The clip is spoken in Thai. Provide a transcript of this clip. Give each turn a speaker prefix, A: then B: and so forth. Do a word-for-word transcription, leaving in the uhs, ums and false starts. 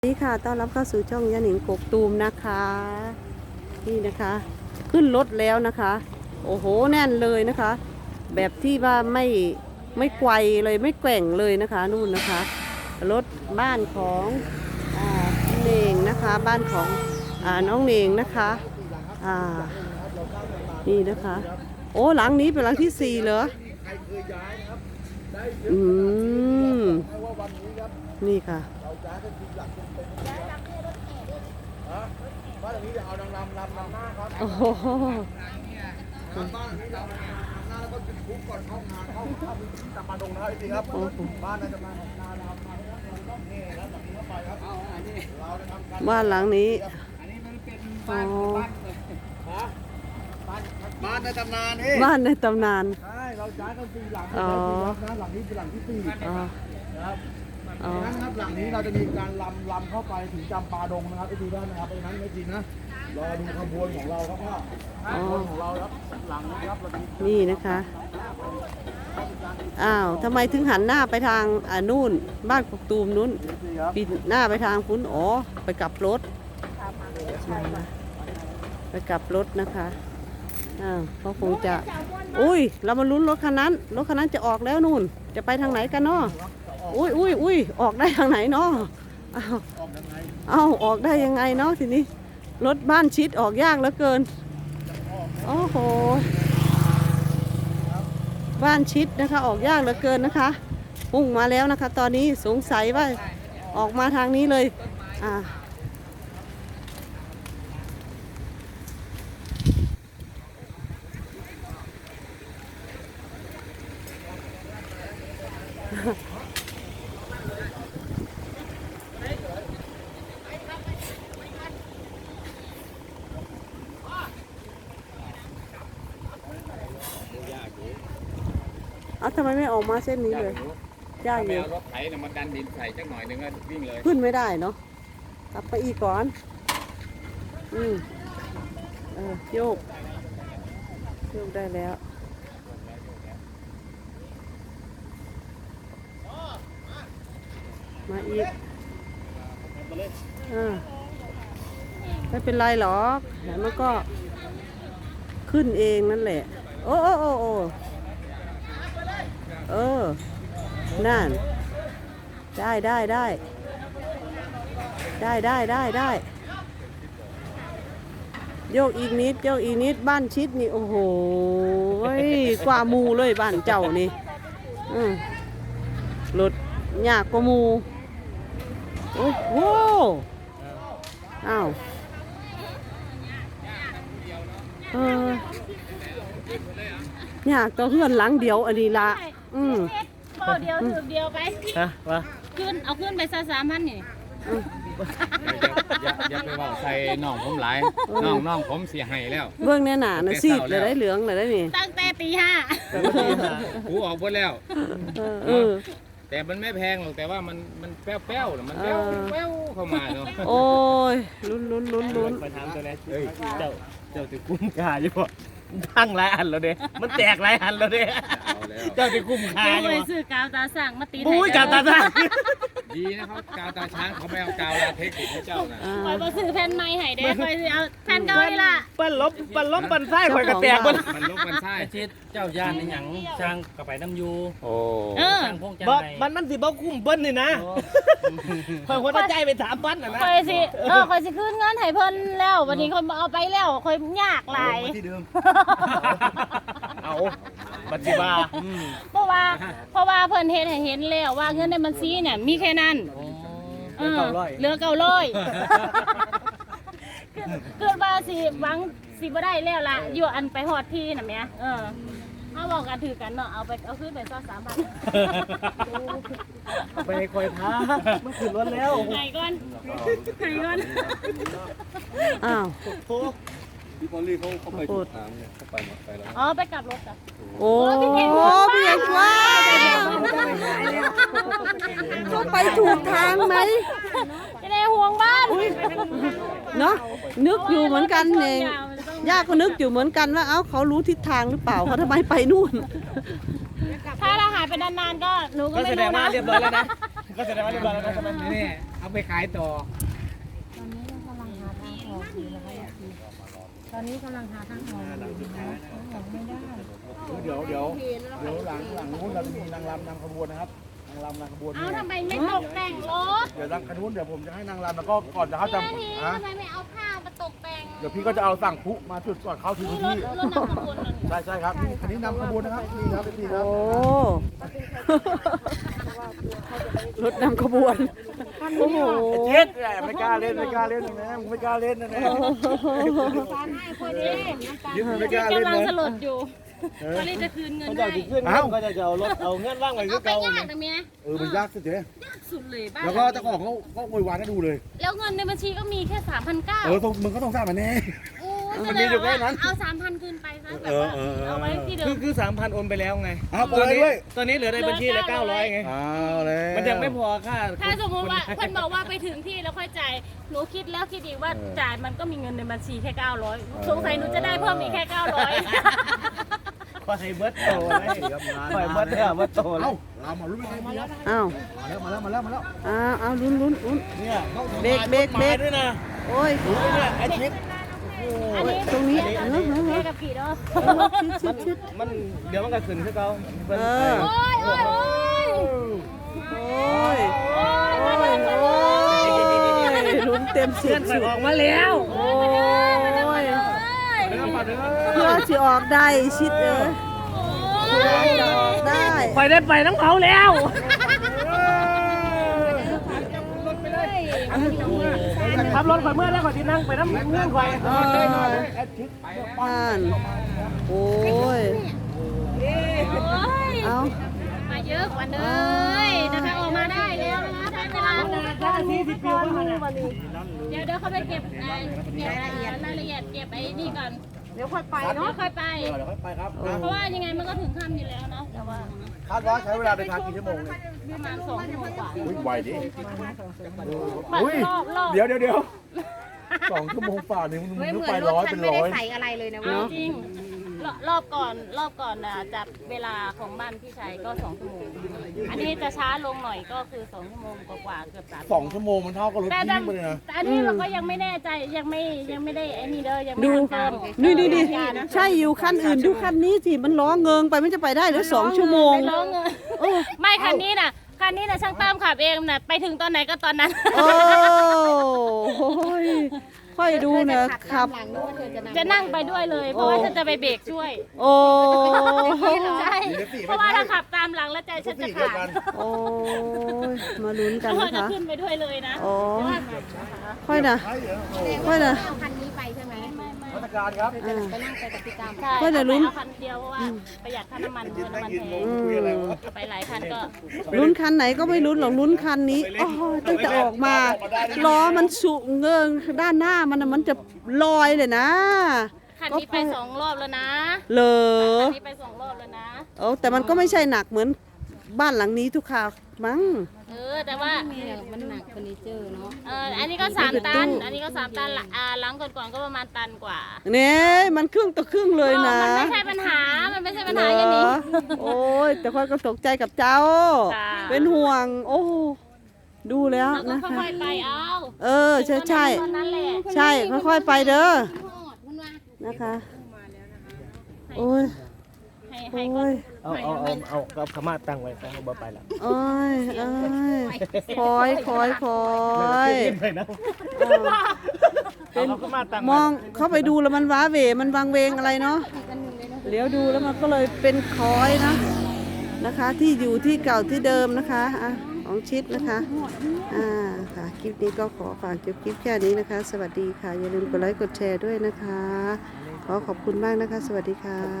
A: นี่ค่ะต้อนรับเข้าสู่ช่องยาหนิงกกตูมนะคะนี่นะคะขึ้นรถแล้วนะคะโอ้โหแน่นเลยนะคะ แบบที่ว่าไม่ไม่ไกวเลยไม่แกว่งเลยนะคะนู่นนะคะรถบ้านของอ่าเน่งนะคะบ้านของอ่าน้องเน่งนะคะอ่านี่นะคะโอ้หลังนี้เป็นหลังที่สี่เหรออืมนี่ค่ะ
B: บ้านหลังนี้จะเอานางรำรำนำหน้าครับ
A: โอ้โห
B: บ้านหลังนี้เรานำหน้าแล้วก็จุดพุก่อนเข้างานเข้าเข้าพื้นที่ตามมาดงนะครับพี่ครับบ้านน่าจะมานาดำมาแล้วนี่แล้วหลังนี้เข้าไปครับเราจะทำการ
A: บ้านหลังนี้
B: อันนี้มันเป็น
A: อ๋อ
B: บ้านบ้านในตำนานนี่
A: บ้านในตำนาน
B: ใช่เราย้ายกันสี่หลัง
A: อ๋อ
B: นะหลังนี้เป็นหลังที่สี่
A: อ๋อ
B: นะครับ
A: อ๋อ
B: ดังนั้นครับหลังนี้เราจะมีการลำลำเข้าไปถึงจำปาดงนะครับไอ้ดีด้านนะครับเพราะฉะนั้นไม่จริงนะรอดูขบวนของเราครับพ่อขบวนของเราครับหลังนะครับเรามี
A: นี่นะคะอ้าวทำไมถึงหันหน้าไปทางอ่านู่นบ้านกกตูมนู้น
B: นี่ครับ
A: ปิดหน้าไปทางพุ้นอ๋อไปกลับรถไปกลับรถนะคะอ้าวเขาคงจะอุ้ยเรามาลุ้นรถคันนั้นรถคันนั้นจะออกแล้วนู่นจะไปทางไหนกันเนาะอุ้ยอุ้ยอุ้ยออกได้ทางไหนเนาะอ้าวเอ้าออกได้ยังไงเนาะทีนี้รถบ้านชิดออกยากเหลือเกินโอ้โหบ้านชิดนะคะออกยากเหลือเกินนะคะพุ่งมาแล้วนะคะ ตอนนี้สงสัยว่าออกมาทางนี้เลยอ่าเอาทำไมไม่ออกมาเส้นนี้เลยยากอ
C: ไม่
A: ยู่
C: เอารถไถเนี่ยมาดันดินใส่จักหน่อยหนึงก็วิ่งเลย
A: ขึ้นไม่ได้เนาะกลับไปอีกก่อนอืมเออโยกโยกได้แล้วมาอีกอ่าไม่เป็นไรหรอกเดี๋ยวมันก็ขึ้นเองนั่นแหละโอ้โอ้โอ้โอ้เออนั่นได้ได้ได้ได้ได้ได้ได้โยกอีกนิดโยกอีกนิดบ้านชิดนี่โอ้โหกว่าหมูเลยบ้านเจ้านี่อืมรถยากกว่าหมูโอ้โหอ้าวเออยากตัวเพื่อนหลังเดียวอันนี้ละอืม
D: โบเดียวถือเดียวไป
B: ฮะวะ
D: ขึ้นเอาขึ้นไปซะสามพันนี่
C: อย่าอย่าไปเว่าใส่น้องผมหลายน้องน้องผมเสียหายแล้ว
A: เบื้องแน่หนานะซีดเลยได้เหลืองเลยได้นี่
D: ตั้งแต่ตีห้า
C: หูออกหมดแล้ว
A: เออเออ
C: แต่มันไม่แพงหรอกแต่ว่ามันมันแป้วๆน่ะมันแป้ว
A: เออ
C: แป้วเข้ามาเนาะ
A: โอ้ยลุ้นลุ้นลุ้นลุ้น
E: มาถามตัวนี้เจ้าเจ้าติคุ้มค่าอยู่บ่พังหลายอันแล้วเด้มันแตกหลายอันแล้วเด้
C: เอาแล้ว
E: เจ้าติคุ้มค่า
D: เดี๋ยว
E: อยู่
D: ไป
E: บ่
D: ซื้อกาวตาสั่งมาตี
E: ปุ้ยกับตาตา
C: ดีนะเขากาวตาช้างเขาไม่เอากาวลาเทคนิคให้เจ้านะ
A: อ่า
D: คอยมาซื้อแผ่นไม้ให้เด้คอยเอาแผ่นเก่านี่ล่ะ
E: ปั้นลบปั้นลบปั้นไส้ข่อยก็แตกเบ่
C: มันลบมันใช่
F: ชิดเจ้าย่านในหยังช่างกับไปน้ำยู
C: โอ้
D: เออ
F: ช่างพงจัง
E: บ่
F: ไร
E: มันมันสิบ่คุ้มเปิ้นนี่นะข่อยคนใจไปสามพันน่ะนะ
D: คอยสิเออคอยสิขึ้นเงินให้เพิ่นแล้ววันนี้คอยเอาไปแล้วคอยยากหลาย
B: ที่เดิม
E: เอาบัดสิว่า
D: เพราะว่าเพราะว่าเพิ่นเฮ็ดให้เห็นแล้วว่าเงินในบัญชีเนี่ยมีแค่นั้นเออเหลือเก้าร้อยเกิดว่าสิหวังสิบ่ได้แล้วล่ะอยู่อันไปฮอดที่น่ะแหม่เออเฮาบอกกันถือกันเนาะเอาไปเอาขึ้นไปซะสามพัน
E: ไปให้ข่อยพามันขึ้นรถแล้ว
D: ไหนก่อนไหนก่อน
A: อ้าว
E: โอ้
B: พี่พอลลี่เขาเขาไป
A: พู
B: ถู
A: ด
B: กทางเนี่ยเขาไปหมดไปแล้ว
D: อ๋อไปกลับรถจ้ะ
A: โอ้พี่เอกว่าเขาไปถูกทางไหม
D: จะได้ห่วงบ้าน
A: เนาะนึกอยู่เหมือนกันเองย่าก็นึกอยู่เหมือนกันว่าเอ้าเขารู้ทิศทางหรือเปล่าเขาทำไมไปนู่น
D: ถ้าเราหายไปนานๆก็หนูก็
E: ก็
D: ไม่
E: แสด
D: รู้
E: งว่า
D: นะ
E: เรียบร้อยแล้วนะก็แสดงว่าเรียบร้อยแล้วนะใช่ไหม
C: นี่เอาไปขายต่อ
D: ตอนนี้กำลังหาทางออกอยู่นะคะตอนนี้กำลังหาทางออกอยู่นะออกไม่ได้
B: เดี๋ยวเดี๋ยวเดี๋ยวหลังหลังนู้นเราจะมีนางรำนำขบวนนะครับนางรำนำขบวน
D: เอาทำไมไม่ตกแต่งรถ
B: เดี๋ยวทางขนุนเดี๋ยวผมจะให้นางรำแล้วก็ก่อนจะเข้าจะ
D: ที
B: ฮะ
D: ทำไมไม่เอาผ้ามาตกแต่ง
B: เดี๋ยวพี่ก็จะเอาสั่งพลุมาจุดก่อนเข้าที่
D: นี่
B: พื้น
D: รถ
B: ที่
D: รถนำขบวนนั่น
B: ใช่ใช่ครับนี่อันนี้นำขบวนนะครับนี่ครับนี่ครั
A: โอ้
B: บ
A: รถนำขบวนโอ้โห
B: เจ็ดแหละไม่กล้าเล่นไม่กล้าเล่นนะมึงไม่กล้าเล่นนะเนี่ย ยิ้มไม่กล้าเล่น
D: กำลัง
B: นะ
D: สลดอยู่ตอนนี้จะคืนเงิน
E: เขา
D: ให้
E: จะขึ้น
B: เอ้า
E: ก็จะเอารถเอาเงื่อนว่างไว้คื
D: เอา
E: อ
D: ไป
E: เก่าย
D: ากนะเมีย
B: เออมันยากสุดเลย
D: สุดเลยบ้าน
B: แล้วก็เจ้าของเขาก็โวยวายให้ดูเลย
D: แล้วเงินในบัญชีก็มีแค่สามพันเก้า
B: เออต้องมึงก็ต้องทราบมันแน่
D: โอ้ย
B: มันมีอยู่แค่นั้น
D: เอาสามพันคืนไปซะแบบว่า
B: เออเออเออ
D: เอาไว้ที่เดิ
E: คือ
D: ม
E: คือสามพันโอนไปแล้วไง
B: อ้าว
E: ตอนนี้
B: โอนไปด้วย
E: ตอนนี้เหลือในบัญชีละเก้าร้อยไง
B: อ้าวแล้ว
E: มันยังไม่พอค่า
D: ถ้าสมมติว่าคนบอกว่าไปถึงที่แล้วค่อยจ่ายหนูคิดแล้วคิดอีกว่าจ่ายมันก็มีเงินในบัญชีแค่เก้าร้อยสงสัยหนูจะได้เพิ่มอีกแค่เก้าร้อย
E: คอยเบิร์ตโตเลยคอยเบิร์ตเนี่ยเบิร์ตโตเล
B: เอ้าย เรามาลุ้นไม่ใช่พี่ครับ
A: อ้าว
B: มาแล้วมาแล้วมาแล้วมาแล้ว
A: อ้าวอ้าวลุ้นลุ้นลุ้น
E: เนี่ย
A: เบรกเบรกเบรก
E: ด้วยนะ
A: โอ้ย
E: เนี่ยไอชิป
D: อันนี้
A: ตรงนี้เออเออเอ
D: แค่
A: อ
D: กับผีเนาะ
A: ชิดชิด
E: มันเดี๋ยวมันก็ขึ้นขึ้นเขา
A: เออ
D: โอ้ยโอ้ยโอ้ย
A: โอ้ย
D: โอ้ย
A: โอ้ยโอ้ยลุ้นเต็มสิ
E: เพื่
A: บ
E: อนไป
A: สิบ
E: ออกมาแล้ว
A: โอ้ย
B: เดี๋ยวมาเดี๋ยว
A: เพื่อจะออกได้ชิดเออเพื่อจะออกได้
E: ไปได้ไปน้ำเขาแล้วขับรถข่อยเมื่อได้ข่อยที่นั่งไปน้ำเงื่อนข่อย
A: เอออ่านโอ้ย เอา
D: มาเยอะกว่าเลยนะคะออกมาได้แล้วนะคะได้เวลา เดี๋ยวเดี๋ยวเขาไปเก็บไอ้เก็บรายละเอียดเก็บไอ้นี่ก่อน เดี๋ยวค่อยไปเนาะค่อยไป
B: เดี๋ยวค่อยไปครับนะ
D: เพราะว่ายังไงมันก็ถึงค่ำอยู่แล้วเนาะแต่ว่า
B: คาดว่าใช้เวลาเดินทางกี่ชั่วโมงเนี่ย
D: ประมาณสองชั่วโมงกว่า
B: อุ้ยไวดิ
D: บัด
B: อุ้ย
D: รอบรอบ
B: เดี๋ยวเดี๋ยวเดี๋ยวสองชั่วโมงฝ่านี่มึงนึกไปร้อยเป็นร้อย
D: เอาจริงรอบรอบก่อนรอบก่อนน่ะจับเวลาของบ้านพี่ชายก็สองชั่วโมงอันนี้จะช้าลงหน่อยก็คือสองชั่วโมงกว่าๆเกือบสาม
B: สองชั่วโมงมันเท่ากับรถ
D: แต่
B: วิ่งไปเลยนะ
D: แต่อันนี้เราก็ยังไม่แน่ใจยังไม่ยังไม่ได้ไอ้นี่เลยยังไม่
A: ดู
D: ทำการ
A: นี่นี่นี่ใช่อยู่คันอื่นดูคันนี้สิมันล้อเงิงไปมันจะไปได้หรือสองชั่วโมง
D: ไม่ร้องเงินไม่คันนี้น่ะคันนี้น่ะช่างตามขับเองน่ะไปถึงตอนไหนก็ตอนนั้น
A: โอ้ยค่อยดูนะขับ
D: จะนั่งไปด้วยเลย เพราะว่าฉันจะไปเบรกช่วย
A: โอ้
D: ใช่เพราะว่าถ้าขับตามหลังแล้วใจฉันจะ
B: สี่เดียว
D: ขา
B: กั
D: ด
B: น
A: โอ้ยมาลุ้นกัน
D: ก็
A: นะ
D: จะ
A: คะ
D: ขึ้นไปด้วยเลยนะ
A: โอ้ค่อยนะค่อยนะ
B: มาตรการครับ
A: อ่า
D: ใช่
A: ก็จะลุ้น
D: เอาคันเดียวเพราะว่าประหยัดค่าน้ำมันเพราะน้ำมันแพง
B: คุยอะไรวะ
D: ไปหลายคันก็
A: ลุ้นคันไหนก็ไม่ลุ้นหรอกลุ้นคันนี้โอ้ยตั้งแต่ออกมาล้อมันสุเงิงด้านหน้ามันน่ะมันจะลอยเลยนะ
D: คันนี้ไปสองรอบแล้วนะ
A: เหรอ
D: คันนี้ไปสองรอบแล้วนะ
A: โอ้แต่มันก็ไม่ใช่หนักเหมือนบ้านหลังนี้ทุกคราวมั้ง
D: เออแต่ว่า
G: มันหนักเฟอร์นิเจอร์เนาะ
D: เอออันนี้ก็สาม
A: เป็น
D: ตั
A: ตู้
D: น อันนี้ก็สามตันละอ่าหลังก่อนๆก็ประมาณตันกว่า
A: เนี่ยมันครึ่งต่อครึ่งเลยนะ
D: มันไม่ใช่ปัญหา มันไม่ใช่ปัญหา
A: เหร
D: อย่างนี้
A: อโอ้ยแต่ค่อยก็ตกใจกับเจ้า
D: ค่ะ
A: เป็นห่วง โอ้ดูแล้ว
D: เราก็
A: นะคะ
D: ค่อยๆไปเอา
A: เออใช่ใช่
D: ตอนนั้นแหละ
A: ใช่ค่อยๆไปเด้อนะคะโอ้ย
D: ให้
A: โอ้
D: ให้ก็
A: ย
E: เอาเอาเอาเอาเอาขม่าตั้งไว้เอาบ่ไปละ
A: โอ้ยโอ้ยคอยคอยคอย
E: ไปนะ
A: เออ
E: เป็นขม่าตั้ง
A: มองเข้าไปดูแล้วมันว้าเหวมันวังเวงอะไรเนาะเลี้ยวดูแล้วมันก็เลยเป็นคอยนะนะคะ ที่อยู่ที่เก่าที่เดิมนะคะอ่ะของชิดนะคะอ่าค่ะคลิปนี้ก็ขอฝากจบคลิปแค่นี้นะคะ สวัสดีค่ะอย่าลืมกดไลค์กดแชร์ด้วยนะคะ ขอขอบคุณมากนะคะ สวัสดีค่ะ